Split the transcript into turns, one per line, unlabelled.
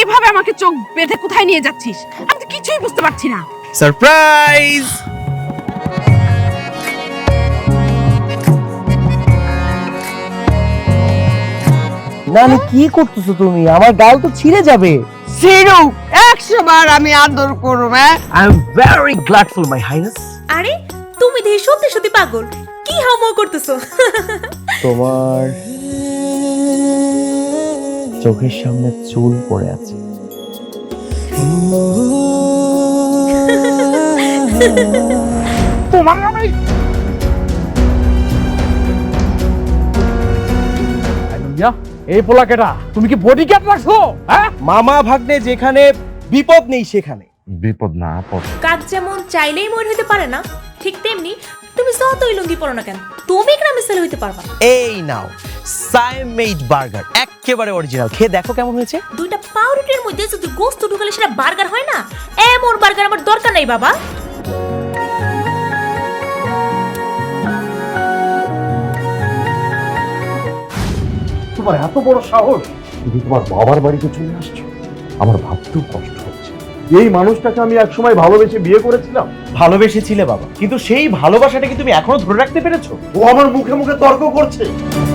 এভাবে আমাকে চোখ বেঁধে কোথায় নিয়ে যাচ্ছিস? আমি তো কিছুই বুঝতে পারছি না।
সারপ্রাইজ!
নানি কি করতেছো তুমি? আমার গাল তো ছিঁড়ে যাবে।
সিরু 100 বার আমি আদর করব।
I am very gladful my highness.
আরে তুমি দেখি সত্যি সত্যি পাগল, কি হাউমাউ করতেছো?
তোমার চোখের সামনে চুল পড়ে আছে।
তোমার আমি এই পোলাকেটা তুমি কি বডিগার্ড রাখছো? হ্যাঁ,
মামা ভাগ্নে যেখানে বিপদ নেই সেখানে
বিপদ না আপদ।
কাক যেমন চাইলেই ময়ূর হইতে পারে না, ঠিক তেমনি তুমি যতই লুঙ্গি পরো না কেন, তুমি গ্রামে ছেলে হইতে পারবা না।
এই নাও সাইমেড বার্গার, একেবারে অরিজিনাল। খেয়ে দেখো কেমন হয়েছে।
দুইটা পাউরুটির মধ্যে যদি গোস্ত ঢুকালে সেটা বার্গার হয় না? এমন বার্গার আমার দরকার নাই বাবা।
তোমার এত বড় সাহস, তুমি তোমার বাবার বাড়িতে চলে আসছো। আমার ভাবতেও কষ্ট হচ্ছে। এই মানুষটাকে আমি একসময় ভালোবেসে বিয়ে করেছিলাম।
ভালোবেসেছিলে বাবা, কিন্তু সেই ভালোবাসাটাকে তুমি এখনো ধরে রাখতে পেরেছো?
ও আমার মুখে মুখে তর্ক করছে।